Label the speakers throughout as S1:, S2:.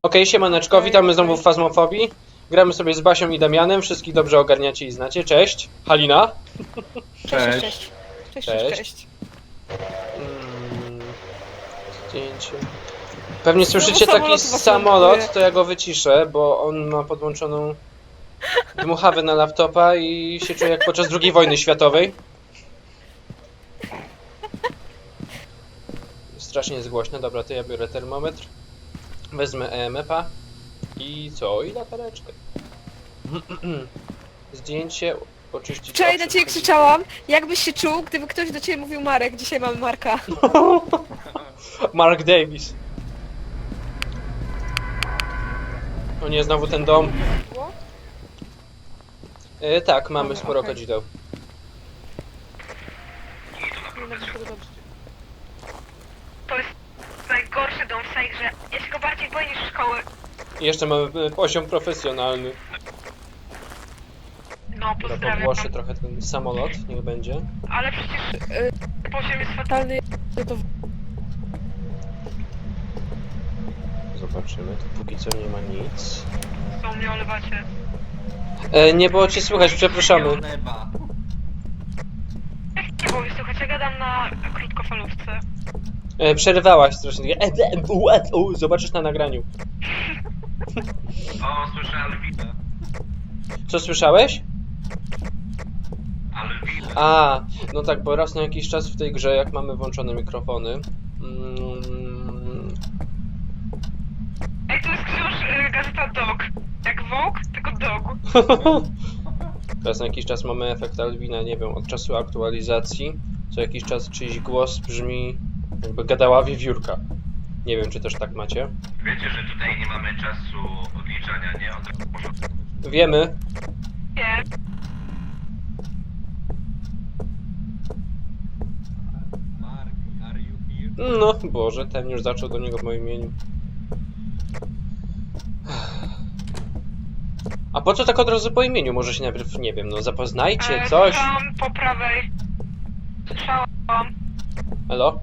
S1: Okej, siemaneczko, witamy znowu w Fazmofobii. Gramy sobie z Basią i Damianem, wszystkich dobrze ogarniacie i znacie. Cześć, Halina.
S2: Cześć. Cześć.
S1: Zdjęcie. Pewnie słyszycie
S2: Znowu
S1: taki
S2: samolot was
S1: samolot,
S2: ląduje.
S1: to ja go wyciszę, bo on ma podłączoną dmuchawę na laptopa i się czuje jak podczas II wojny światowej. Strasznie jest głośno, dobra, to ja biorę termometr. Wezmę EMF-a i co? I latareczkę. Zdjęcie, oczyścić.
S2: Wczoraj na
S1: oczy.
S2: ciebie krzyczałam, jakbyś się czuł, gdyby ktoś do ciebie mówił Marek. Dzisiaj mamy Marka.
S1: Mark Davis. O nie, znowu ten dom. Tak, mamy
S2: Dobra,
S1: sporo
S2: okej.
S1: kadzideł.
S3: To jest najgorszy dom w tej grze. Ja się go bardziej boję niż szkoły.
S1: I jeszcze mamy poziom profesjonalny.
S3: No,
S1: Dobra,
S3: pozdrawiam.
S1: podgłoszę trochę ten samolot, niech będzie.
S3: Ale przecież poziom jest fatalny.
S2: Totalny. To
S1: Zobaczymy, tu póki co nie ma nic.
S3: Co mnie olewacie.
S1: Nie było cię słychać, przepraszamy.
S3: Nie było mi słuchać, ja gadam na krótkofalówce.
S1: Przerywałaś strasznie. Zobaczysz na nagraniu.
S4: O, słyszę Alwinę.
S1: Co słyszałeś?
S4: Alwinę.
S1: A, no tak, bo raz na jakiś czas w tej grze, jak mamy włączone mikrofony,
S3: Ej, to jest gazeta Dog. Jak Vogue, tylko Dog.
S1: raz na jakiś czas mamy efekt Alwina, nie wiem, od czasu aktualizacji, co jakiś czas czyjś głos brzmi, jakby gadała wiewiórka. Nie wiem, czy też tak macie.
S4: Wiecie, że tutaj nie mamy czasu odliczania, nie? Od razu porządku.
S1: Wiemy.
S3: Nie.
S4: Mark, are you here?
S1: No, Boże, ten już zaczął do niego w moim imieniu. A po co tak od razu po imieniu? Może się najpierw, nie wiem, no zapoznajcie, coś?
S3: Słyszałam po prawej. Słyszałam
S1: Elo?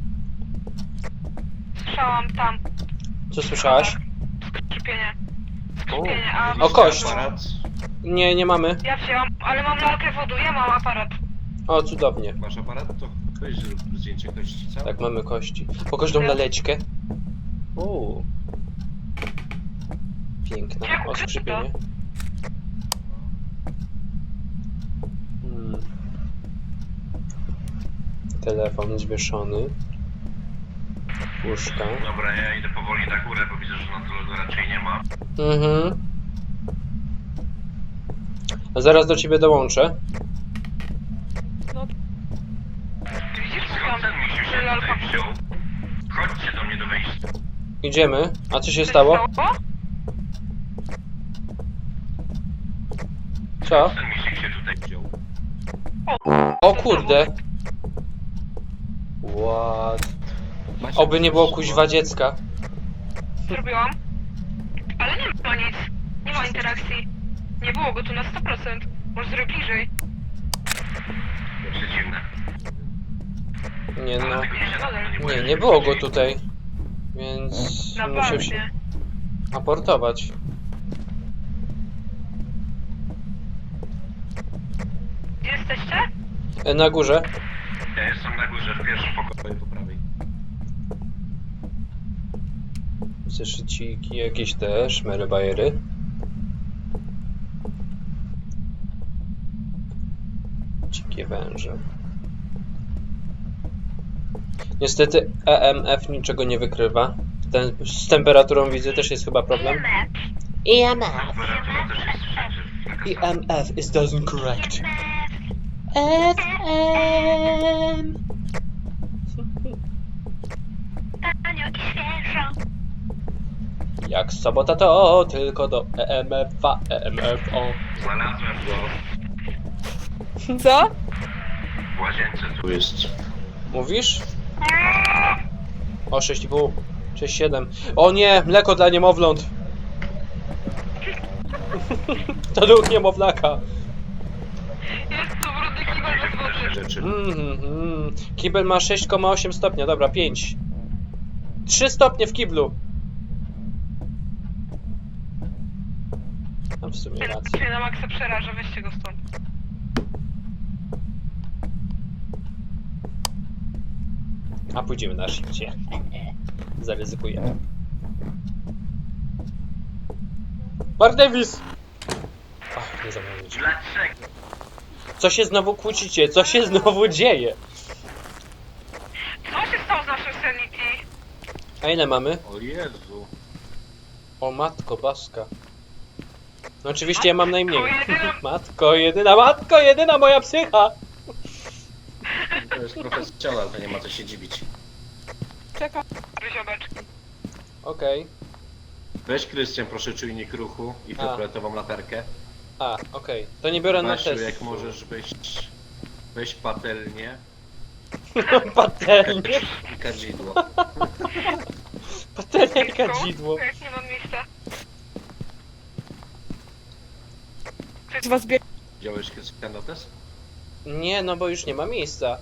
S3: Słyszałam tam.
S1: Co słyszałaś?
S3: Skrzypienie.
S1: O,
S3: Skrzypienie, a...
S1: O, kość.
S4: Aparat?
S1: Nie, nie mamy.
S3: Ja wzięłam, ale mam lalkę wodu, ja mam aparat.
S1: O, cudownie.
S4: Masz aparat? To weź zrób zdjęcie kości, co?
S1: Tak, mamy kości. Pokaż tą laleczkę. O. Piękna. O, skrzypienie. Telefon zwieszony. Łóżka.
S4: Dobra, ja idę powoli na górę, bo widzę, że na dole go raczej nie ma.
S1: Mhm. A zaraz do ciebie dołączę.
S3: Widzisz, co
S4: Skąd
S3: tam?
S4: ten misiu się
S3: Lalka
S4: tutaj wziął? Chodźcie do mnie do wejścia.
S1: Idziemy. A co się stało? Co?
S4: Ten misiek się tutaj wziął.
S1: O kurde. What? Oby nie było kuźwa dziecka.
S3: Zrobiłam. Ale nie ma nic. Nie ma interakcji. Nie było go tu na 100%. Może zrobię bliżej.
S4: Przeciwne.
S1: Nie no.
S4: Ale tego nie da.
S1: Nie było go tutaj. Więc
S3: Na
S1: musiał się
S3: bandzie.
S1: aportować.
S3: Gdzie jesteście?
S1: Na górze.
S4: Ja jestem na górze w pierwszym pokoju po prawej.
S1: Zeszyciki jakieś te szmery bajery. Dzikie węże. Niestety EMF niczego nie wykrywa. Z temperaturą widzę też jest chyba problem. EMF.
S4: Temperatura też jest wszędzie.
S1: EMF is doesn't correct. FM.
S3: Tanio i świeżo.
S1: Jak sobota to tylko do EMF-a, EMF-o.
S4: Znalazłem go
S2: co?
S4: w łazience. Tu jest.
S1: Mówisz? O 6,5, 6,7. O nie, mleko dla niemowląt. To duch niemowlaka.
S3: Jest tu brudny kibel bez wody.
S4: Rzeczy.
S1: Kibel ma 6,8 stopnia, dobra, 5. 3 stopnie w kiblu. A w sumie
S3: Ten
S1: racja.
S3: mnie na maksa przeraża, weźcie go stąd.
S1: A pójdziemy na shifcie. Zaryzykujemy. Mark Davis! Ach, nie zamówić.
S4: Dlaczego?
S1: Co się znowu kłócicie? Co się znowu dzieje?
S3: Co się stało z naszym sanity?
S1: A ile mamy?
S5: O Jezu.
S1: O matko baska. No oczywiście ja mam najmniej.
S3: jedyna.
S1: Matko jedyna moja psycha!
S5: To jest profesjonal, to nie ma co się dziwić.
S2: Czekam.
S3: Ryziobeczki.
S1: Okej.
S5: Weź Krystian, proszę czujnik ruchu i fioletową latarkę.
S1: A, okej. To nie biorę na
S5: Basiu,
S1: test.
S5: jak możesz weź patelnię
S1: Patelnię.
S5: i kadzidło.
S1: Patelnię i kadzidło.
S3: Jak nie mam miejsca.
S2: Z was bieg...
S5: Wziąłeś Krystian notes?
S1: Nie, no bo już nie ma miejsca.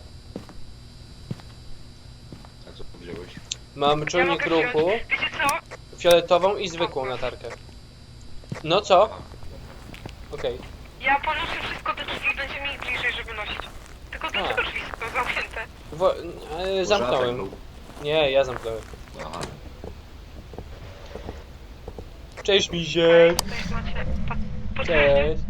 S5: A co wziąłeś?
S1: Mam czujnik
S3: mogę wziąć.
S1: ruchu,
S3: Wiecie co?
S1: fioletową i zwykłą latarkę. No co?
S5: Aha.
S1: Okej.
S3: Ja ponoszę wszystko do drzwi, będzie mi bliżej, żeby nosić. Tylko dlaczego drzwi są zamknięte?
S5: Może
S1: Zamknąłem.
S5: atak był.
S1: Nie, ja zamknąłem.
S5: Aha.
S1: Cześć misiek!
S3: Tutaj macie... Potwierdzić.
S1: Cześć!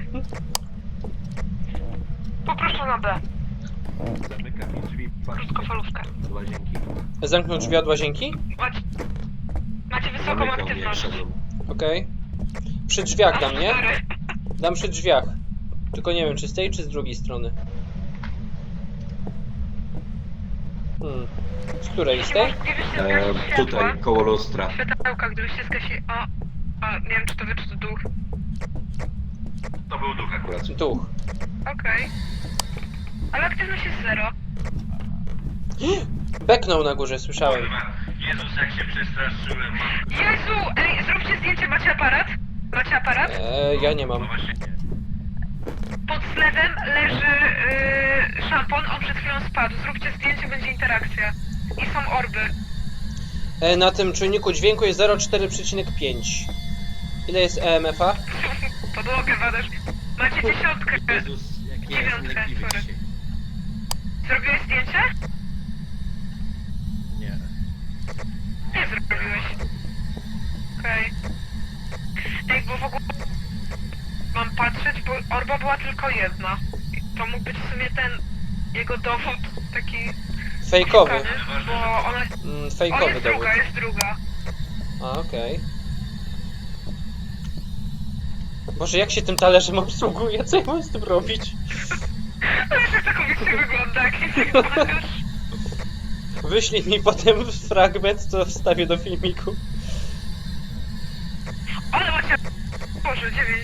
S3: Poproszę na B.
S5: Zamykam mi drzwi, patrzcie.
S3: Krótkofalówkę.
S5: Do łazienki.
S1: Zamknął drzwi od łazienki?
S3: Macie wysoką
S5: Zamykał mnie, jak
S3: aktywność.
S5: szedłem.
S1: Okej. Przy drzwiach dam, nie?
S3: Sorry.
S1: Dam przy drzwiach. Tylko nie wiem, czy z tej, czy z drugiej strony. Hmm. Z której? Z tej?
S3: Gdybyście zgasili światła,
S5: Tutaj, koło lustra.
S3: światełka, gdybyście zgasili... O, nie wiem, czy to wy, czy to duch.
S4: To był duch akurat.
S1: Duch.
S3: Okej. Ale aktywność jest 0.
S1: Beknął na górze, słyszałem.
S4: Kurwa, Jezus, jak się przestraszyłem.
S3: Jezu! Ej, zróbcie zdjęcie, macie aparat? Macie aparat?
S1: Ja nie
S4: No
S1: mam.
S4: właśnie nie.
S3: Pod zlewem leży szampon, on przed chwilą spadł. Zróbcie zdjęcie, będzie interakcja. I są orby.
S1: Na tym czujniku dźwięku jest 0,4,5. Ile jest EMF-a?
S3: Podłogę badasz. Macie 10.
S5: Jezus, jak ja jestem
S3: Dziewiątkę,
S5: leniwy
S3: sorry.
S5: dzisiaj.
S3: Zrobiłeś zdjęcie?
S5: Nie.
S3: Nie zrobiłeś. Okej. Ej, bo w ogóle... Mam patrzeć, bo orba była tylko jedna. To mógł być w sumie ten... Jego dowód taki...
S1: Fejkowy.
S3: szukany, bo ona... O,
S1: Fejkowy
S3: jest
S1: dowód.
S3: druga, jest druga.
S1: A, okej. Boże, jak się tym talerzem obsługuje? Co ja mam z tym robić?
S3: No wiesz, jak to komicznie wygląda, jak nie wyglądasz.
S1: Wyślij mi potem fragment, co wstawię do filmiku.
S3: Ale macie... Boże, 9.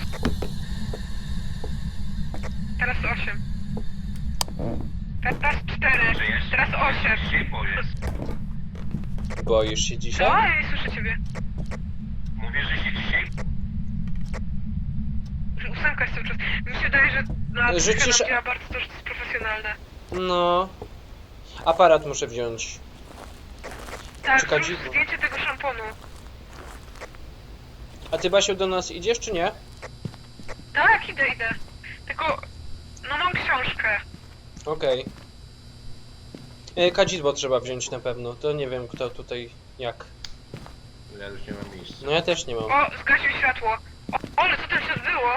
S3: Teraz 8. Teraz 4.
S4: Że jeszcze
S3: Teraz 8.
S4: się boję.
S1: Boisz się
S3: Co?
S1: dzisiaj?
S3: Ja nie słyszę ciebie.
S4: Mówię, że się dzisiaj...
S3: 8 jest cały czas. Mi się wydaje, że na
S1: Rzucisz-
S3: działa bardzo to, że to jest profesjonalne.
S1: No. Aparat muszę wziąć.
S3: Tak,
S1: Czekaj,
S3: zrób
S1: dziwo.
S3: zdjęcie tego szamponu.
S1: A ty, Basiu, do nas idziesz, czy nie?
S3: Tak, idę. Tylko... No mam książkę.
S1: Okej. Kadzidło trzeba wziąć na pewno. To nie wiem, kto tutaj jak.
S5: Ja już nie mam miejsca.
S1: No ja też nie mam.
S3: O, zgasił światło. O, ale co tam się odbyło?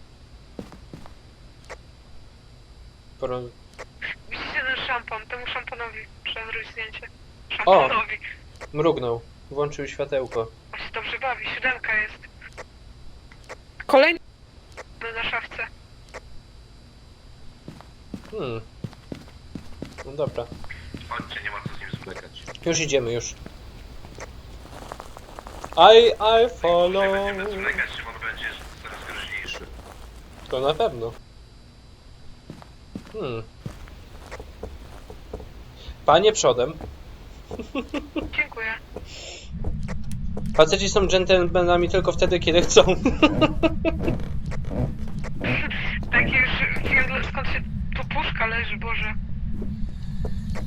S1: Pro...
S3: Widzicie ten szampon? Temu szamponowi trzeba zrobić zdjęcie. Szamponowi.
S1: Mrugnął. Włączył światełko.
S3: On się dobrze bawi. 7 jest
S2: Kolejny...
S3: na szafce.
S1: No dobra.
S4: Chodźcie, nie ma co z nim
S5: Zwlekać.
S1: Już idziemy, już. I follow.
S4: Będziemy zwlekać, Szymon będzie coraz groźniejszy.
S1: To na pewno. Panie przodem.
S3: Dziękuję.
S1: Faceci są dżentelmenami tylko wtedy, kiedy chcą.
S3: Takie już wiem, skąd się tu puszka leży, Boże.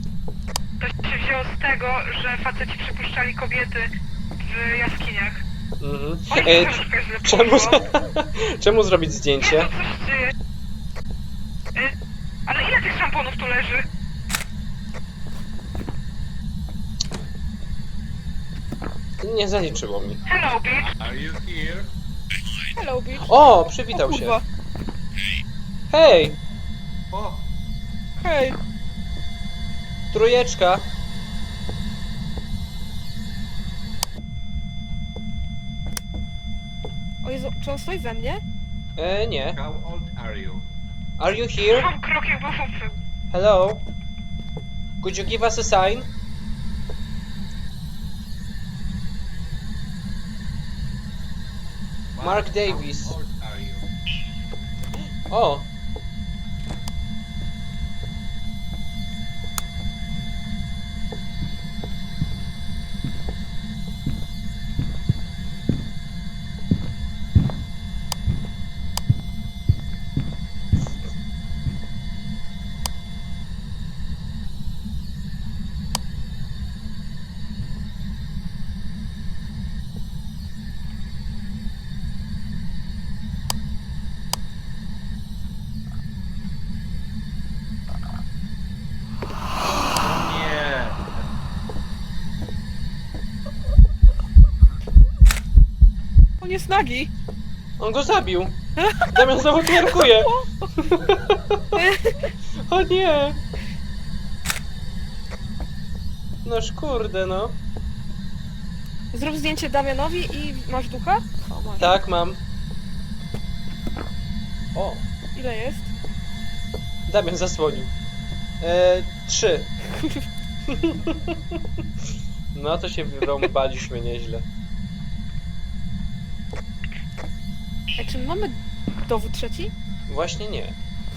S3: To się wzięło z tego, że faceci przypuszczali kobiety w jaskiniach.
S1: Mhm.
S3: Oj, troszkę źle
S1: Czemu,
S3: poszło.
S1: czemu zrobić
S3: Nie,
S1: zdjęcie?
S3: to coś się dzieje. Ale ile tych szamponów tu leży?
S1: Nie zaliczyło mi.
S3: Hello, bitch.
S5: Are you here?
S2: Hello, bitch.
S1: O,
S2: O
S1: przywitał się.
S2: kurwa.
S1: Hej,
S5: O!
S2: Hej.
S1: trójeczka.
S2: O Jezu, czy on stoi ze mnie?
S1: Nie.
S5: How old are you?
S1: Are you here?
S3: Mam krok jakby chłopcy.
S1: Hello? Could you give us a sign? Mark Davis.
S5: How old are you?
S1: O,
S5: Nie!
S2: On jest nagi.
S1: on go zabił. Damian znowu twerkuje. O nie. Noż kurde, no.
S2: Zrób zdjęcie Damianowi i masz ducha? O, masz.
S1: Tak, mam. O,
S2: Ile jest?
S1: Damian zasłonił. 3. No to się wyrąbaliśmy nieźle.
S2: Ej, czy my mamy dowód trzeci?
S1: Właśnie nie.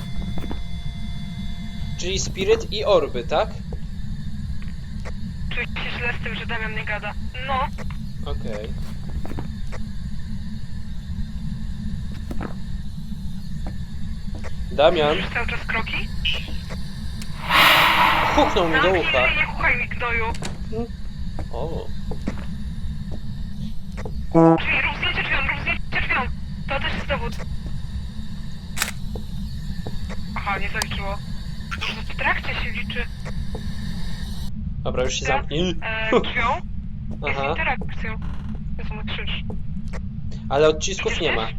S1: Czyli Spirit i Orby, tak?
S3: Czuję się źle z tym, że Damian nie gada. No,
S1: Okej. Damian
S3: już cały czas kroki.
S1: huknął mi do
S3: Zamknij
S1: ucha.
S3: ryj, nie chuchaj mi gnoju.
S1: O,
S3: Drzwi, rób zdjęcie drzwiom, rób zdjęcie drzwiom. To też jest dowód. Aha, nie zaliczyło. W trakcie się liczy.
S1: dobra, już się zamknij.
S3: Drzwią jest
S1: Aha,
S3: interakcją. Jezu, no krzyż.
S1: ale odcisków nie ma.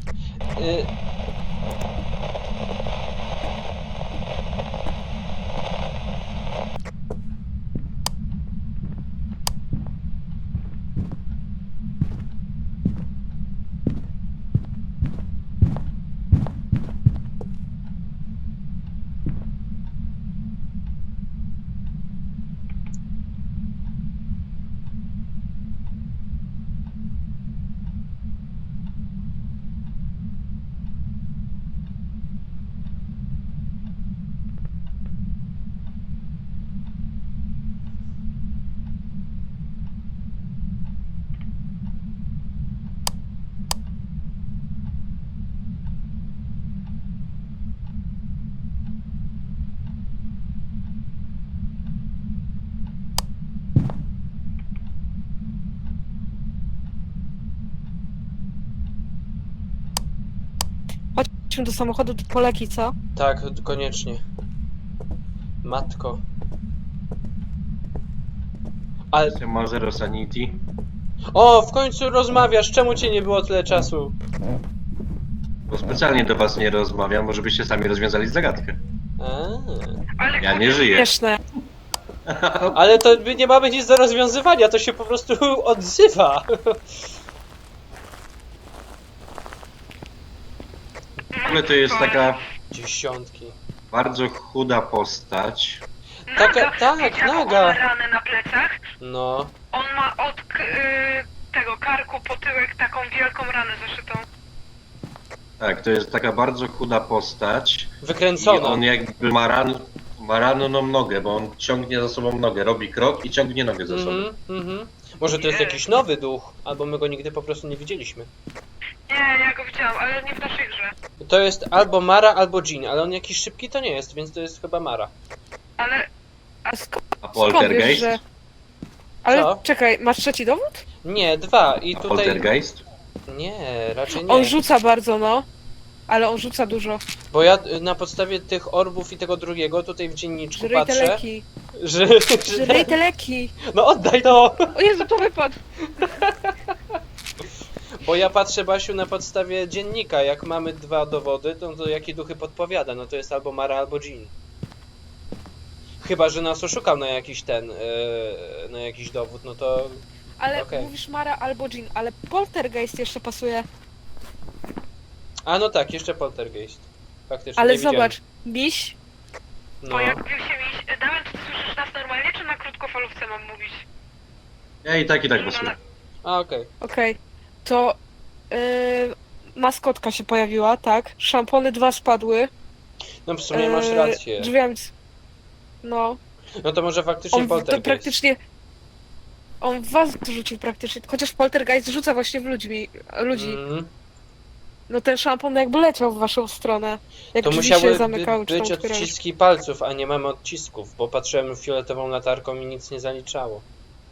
S2: Chodźmy do samochodu, do poleki, co?
S1: Tak, koniecznie. Matko. Ale...
S5: Ma zero sanity.
S1: O, w końcu rozmawiasz, czemu cię nie było tyle czasu?
S5: Bo specjalnie do was nie rozmawiam, bo żebyście sami rozwiązali zagadkę.
S3: Ale
S5: Ja nie żyję.
S2: Śmieszne.
S1: Ale to my nie mamy nic do rozwiązywania, to się po prostu odzywa.
S5: W ogóle to jest taka
S1: Dziesiątki.
S5: bardzo chuda postać.
S1: Taka- tak,
S3: wiecie, jaką
S1: naga.
S3: on ma ranę na plecach.
S1: No.
S3: On ma od tego karku po tyłek taką wielką ranę zaszytą.
S5: Tak, to jest taka bardzo chuda postać. I
S1: Wykręcona.
S5: on jakby ma ranną nogę, bo on ciągnie za sobą nogę, robi krok i ciągnie nogę za sobą.
S1: Mhm. Może to jest jakiś nowy duch, albo my go nigdy po prostu nie widzieliśmy.
S3: Nie, ja go widziałam, ale nie w naszej grze.
S1: To jest albo Mara, albo Jean, ale on jakiś szybki to nie jest, więc to jest chyba Mara.
S3: Ale
S2: A skąd
S5: A
S2: wiesz,
S5: Poltergeist?
S2: że... Ale
S1: Co?
S2: czekaj, masz trzeci dowód?
S1: Nie, 2 i tutaj...
S5: Poltergeist?
S1: Nie, raczej nie.
S2: On rzuca bardzo, no. Ale on rzuca dużo.
S1: Bo ja na podstawie tych orbów i tego drugiego tutaj w dzienniczku
S2: Żryj te
S1: patrzę,
S2: leki.
S1: że...
S2: Żryj te leki.
S1: No oddaj to!
S2: O Jezu, to wypadł.
S1: Bo ja patrzę, Basiu, na podstawie dziennika. Jak mamy 2 dowody, to jakie duchy podpowiada? No to jest albo Mara, albo Jean. Chyba że nas oszukał na jakiś na jakiś dowód, no to...
S2: Ale
S1: Okej.
S2: mówisz Mara albo Jean, ale Poltergeist jeszcze pasuje.
S1: A no tak, jeszcze Poltergeist. Faktycznie,
S2: Ale
S1: nie widziałem.
S2: zobacz, miś.
S1: No.
S3: Pojawił się miś. Damian, czy ty słyszysz nas normalnie, czy na krótkofalówce mam mówić?
S5: Ja i tak głosuję.
S1: A, okej.
S2: Okej. To maskotka się pojawiła, tak? Szampony 2 spadły.
S1: No w sumie masz rację.
S2: Drzwiami. No.
S1: No to może faktycznie
S2: On to
S1: Poltergeist.
S2: praktycznie. On w was rzucił praktycznie. Chociaż Poltergeist rzuca właśnie w ludzi.
S1: Mm.
S2: No ten szampon jakby leciał w waszą stronę. Jak
S1: To
S2: drzwi
S1: musiały
S2: się zamykały, czy tam
S1: być
S2: otwierały.
S1: odciski palców, a nie mamy odcisków, bo patrzyłem fioletową latarką i nic nie zaliczało.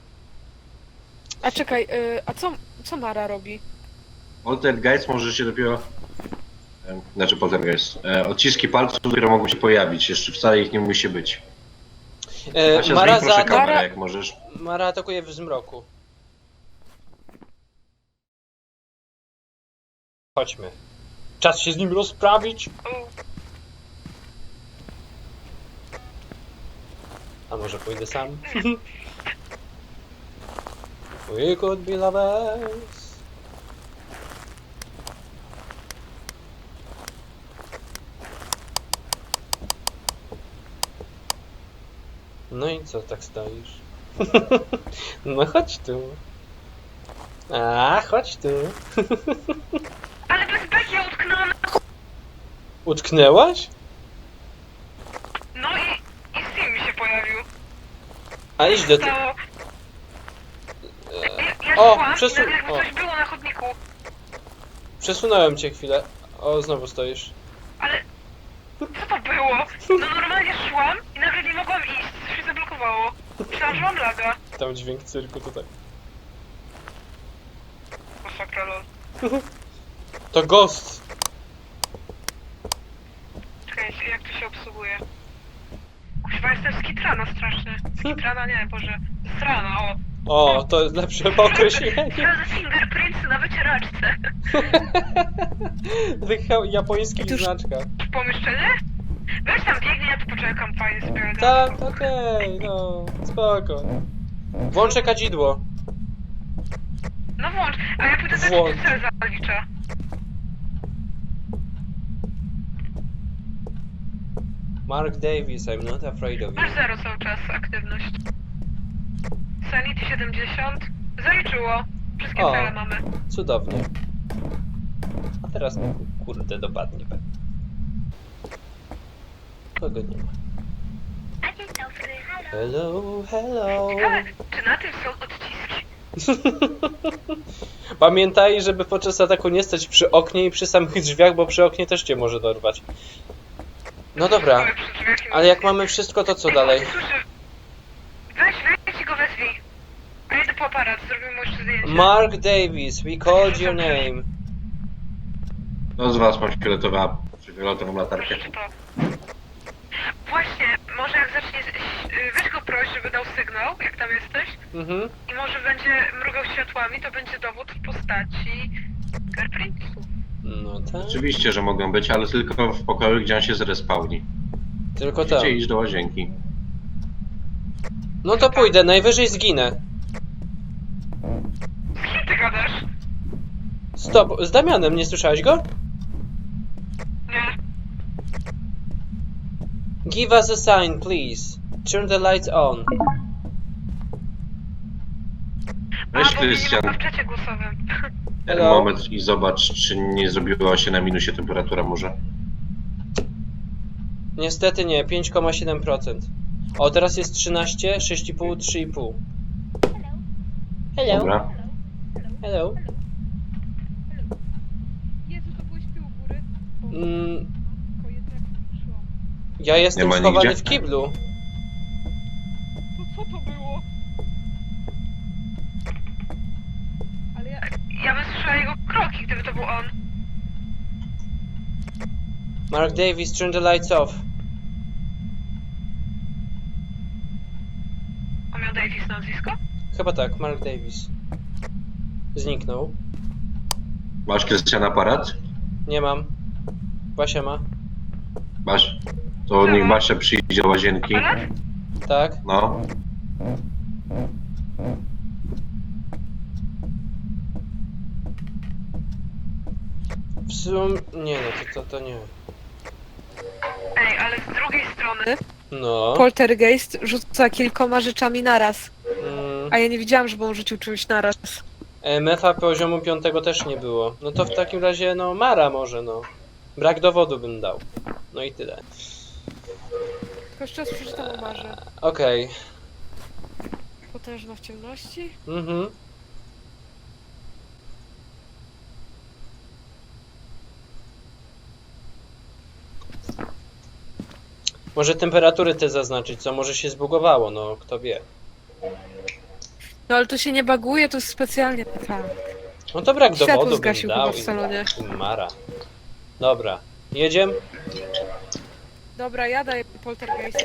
S2: A czekaj, a co Mara robi?
S5: Poltergeist może się dopiero... Znaczy poltergeist. Odciski palców, które mogą się pojawić. Jeszcze wcale ich nie musi być. Asia,
S1: Mara,
S5: zmień proszę kamerę,
S2: Mara-
S5: jak możesz.
S1: Mara atakuje w zmroku. Chodźmy. Czas się z nim rozprawić. A może pójdę sam? We could be lovers. No i co tak stoisz? No chodź tu. A, chodź tu.
S3: Ale bez beki ja utknęłam na...
S1: Utknęłaś?
S3: No i Sim mi się pojawił.
S1: A idź do ty.
S3: Stało... Ja
S1: O,
S3: szłam i nagle jakby
S1: o.
S3: coś było na chodniku.
S1: Przesunąłem cię chwilę. O, znowu stoisz.
S3: Ale... Co to było? No normalnie szłam i nagle nie mogłam iść. Coś się zablokowało. Myślałam, że mam laga.
S1: Tam dźwięk cyrku tutaj.
S3: Masakra, lol.
S1: To ghost.
S3: Czekajcie, jak to się obsługuje? Kuźwa, jestem skitrana strasznie. Skitrana, nie, Boże. Strana, o.
S1: O, to jest lepsze określenie.
S3: Sprawdzę fingerprints na wycieraczce.
S1: Tych japońskich
S2: Otóż-
S1: znaczkach.
S3: Pomieszczenie? Weź tam biegnie, ja tu poczekam, fajnie sobie.
S1: Tak, okej, no, spoko. Włączę kadzidło.
S3: No włącz, a ja pójdę też
S1: Włącz.
S3: cel zalicza.
S1: Mark Davis, I'm not afraid of you.
S3: Masz 0 cały czas, aktywność. Sanity 70. Zaliczyło. Wszystkie
S1: O.
S3: cele mamy.
S1: Cudownie. A teraz kurde dopadnie. Kogo nie ma? Hello, hello.
S3: Ciekawe, czy na tym są odciski?
S1: Pamiętaj, żeby podczas ataku nie stać przy oknie i przy samych drzwiach, bo przy oknie też cię może dorwać. No dobra,
S3: Stoję przy drzwiach i
S1: ale jak mamy wszystko, to co
S3: Ej,
S1: dalej?
S3: Słyszę. Weź i go wezwij. A ja idę po aparat, zrobimy mu jeszcze zdjęcie.
S1: Mark Davis, we called your name.
S5: Kto z was ma fioletową latarkę?
S3: Proszę to. Właśnie, może jak zacznie... Weź go proś, żeby dał sygnał, jak tam jesteś.
S1: Mhm.
S3: I może będzie mrugał światłami, to będzie dowód w postaci fingerprintsów.
S1: No tak.
S5: Oczywiście, że mogą być, ale tylko w pokoju, gdzie on się zrespawni.
S1: Tylko to.
S5: Musicie iść do łazienki.
S1: No to pójdę, najwyżej zginę.
S3: Z kim ty gadasz?
S1: Stop, z Damianem, nie słyszałeś go?
S3: Nie.
S1: Give us a sign, please. Turn the lights on.
S5: Weź,
S3: bo mnie nie
S5: Krystian,
S3: ma w czacie głosowym.
S5: ten
S1: Hello.
S5: moment i zobacz, czy nie zrobiła się na minusie temperatura może.
S1: Niestety nie, 5,7%. O, teraz jest 13, 6,5, 3,5. Hello.
S5: Dobra.
S1: Hello.
S2: Jezu, to byłeś ty u góry?
S1: Mm,
S2: Tylko jednak szłam.
S1: ja jestem
S5: Nie ma
S1: schowany
S5: nigdzie?
S1: w kiblu.
S2: To co to było?
S3: znowu on.
S1: Mark Davis, turn the lights off.
S3: On miał Davis nazwisko?
S1: Chyba tak, Mark Davis. Zniknął.
S5: Masz, Krystian, aparat?
S1: Nie mam. Basia ma.
S5: Masz? To niech Basia przyjdzie do łazienki.
S3: Aparat?
S1: Tak?
S5: No.
S1: W sum... Nie no, to nie.
S3: Ej, ale z drugiej strony...
S1: No.
S2: Poltergeist rzuca kilkoma rzeczami naraz.
S1: Mm.
S2: A ja nie widziałam, żeby on rzucił czymś naraz.
S1: MF-a poziomu 5 też nie było. No to w takim razie, no, Mara może, no. Brak dowodu bym dał. No i tyle.
S2: Tylko jeszcze raz przeczytam o Marze.
S1: Okej.
S2: Potężna w ciemności.
S1: Mhm. Może temperatury te zaznaczyć, co może się zbugowało, no kto wie.
S2: No ale to się nie baguje, to jest specjalnie tak.
S1: No to brak
S2: Światło
S1: dowodu bym
S2: zgasił
S1: dał
S2: chyba w salonie.
S1: i Mara. Dobra, jedziemy?
S2: Dobra, ja daję Poltergeista.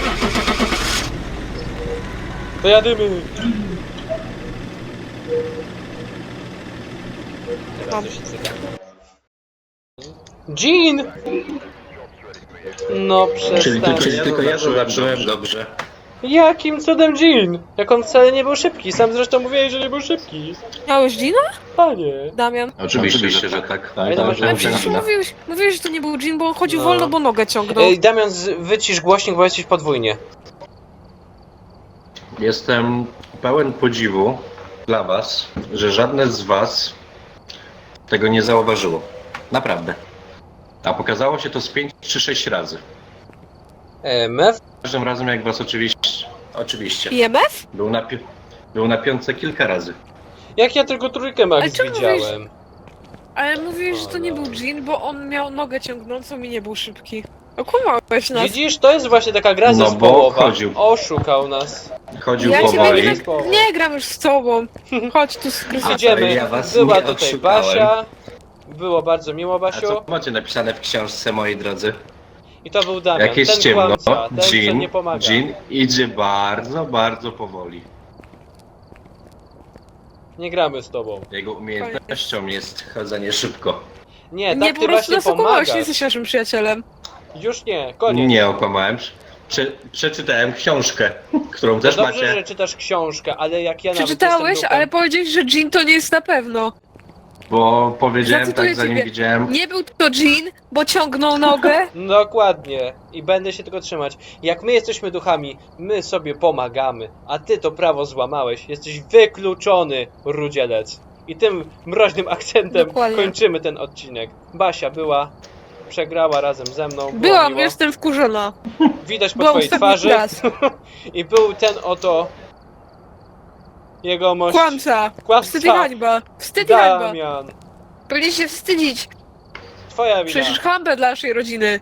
S1: To jadymy! Teraz
S2: Mam.
S1: to się cyka. Jean! No przestań.
S5: Tylko ja zobaczyłem dobrze.
S1: Jakim cudem Jean? Jak on wcale nie był szybki. Sam zresztą mówiłeś, że nie był szybki.
S2: Miałeś Gina?
S1: Panie.
S2: Damian?
S5: Oczywiście, że tak.
S1: Ale to masz
S2: Ale
S1: rację.
S2: przecież mówiłeś, że to nie był Jean, bo on chodził
S1: No.
S2: wolno, bo nogę ciągnął.
S1: Ej, Damian, wycisz głośnik, bo jesteś podwójnie.
S5: Jestem pełen podziwu dla was, że żadne z was tego nie zauważyło. Naprawdę. A pokazało się to z 5 czy 6 razy.
S1: Mew?
S5: Każdym razem jak was oczywiście.
S2: IMF?
S5: Był na piątce kilka razy.
S1: Jak ja tylko trójkę Max
S2: Ale czemu
S1: widziałem.
S2: Ale mówiłeś, że to nie był Jean, bo on miał nogę ciągnącą i nie był szybki. Okłamałeś nas.
S1: Widzisz, to jest właśnie taka gra
S5: No, bo
S1: zespołowa.
S5: chodził.
S1: Oszukał nas.
S5: Chodził
S2: Ja ciebie
S5: powoli.
S2: nie gram już z tobą. Chodź tu z Krysem.
S1: Idziemy.
S5: ja was
S1: Była
S5: nie
S1: tutaj
S5: oszukałem.
S1: Basia. Było bardzo miło,
S5: A
S1: Basiu.
S5: co macie napisane w książce, moi drodzy?
S1: I to był Damian,
S5: Jak jest
S1: ten
S5: ciemno,
S1: kłamca, ten co nie pomaga.
S5: Jean idzie bardzo, bardzo powoli.
S1: Nie gramy z tobą.
S5: Jego umiejętnością jest chodzenie szybko.
S1: Nie,
S2: Nie,
S1: tak
S2: po
S1: ty
S2: prostu
S1: właśnie
S2: nas okłamałeś, nie
S1: pomagasz.
S2: jesteś naszym przyjacielem.
S1: Już nie, koniec.
S5: Nie okłamałem. Przeczytałem książkę, którą też
S1: Dobrze,
S5: macie.
S1: że czytasz książkę, ale jak ja nawet
S2: Przeczytałeś,
S1: jestem
S2: ale
S1: duchem,
S2: powiedziałeś, że Jean to nie jest na pewno.
S5: Bo powiedziałem
S2: Zacytuję
S5: tak, zanim
S2: ciebie.
S5: widziałem.
S2: Nie był to Jean, bo ciągnął nogę.
S1: Dokładnie. I będę się tego trzymać. Jak my jesteśmy duchami, my sobie pomagamy, a ty to prawo złamałeś. Jesteś wykluczony, rudzielec. I tym mroźnym akcentem
S2: Dokładnie.
S1: kończymy ten odcinek. Basia była, przegrała razem ze mną. Było
S2: Byłam,
S1: miło.
S2: jestem wkurzona.
S1: Widać po
S2: Byłam
S1: twojej
S2: ostatni
S1: twarzy.
S2: raz.
S1: I był ten oto jegomość.
S2: Kłamca.
S1: Kłamca.
S2: Wstyd i hańba. Wstyd i hańba.
S1: Damian.
S2: Powinien się wstydzić.
S1: Twoja wina.
S2: Przecież hańbę dla naszej rodziny.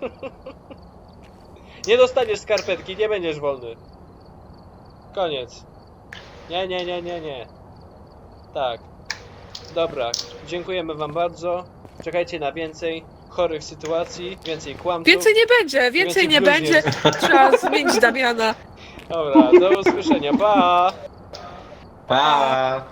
S1: Nie dostaniesz skarpetki, nie będziesz wolny. Koniec. Nie. Tak. Dobra, dziękujemy wam bardzo. Czekajcie na więcej chorych sytuacji, więcej kłamców.
S2: Więcej nie będzie, więcej nie
S1: bluźnierstw.
S2: będzie. Trzeba zmienić Damiana.
S1: Dobra, do usłyszenia, pa!
S5: Pa!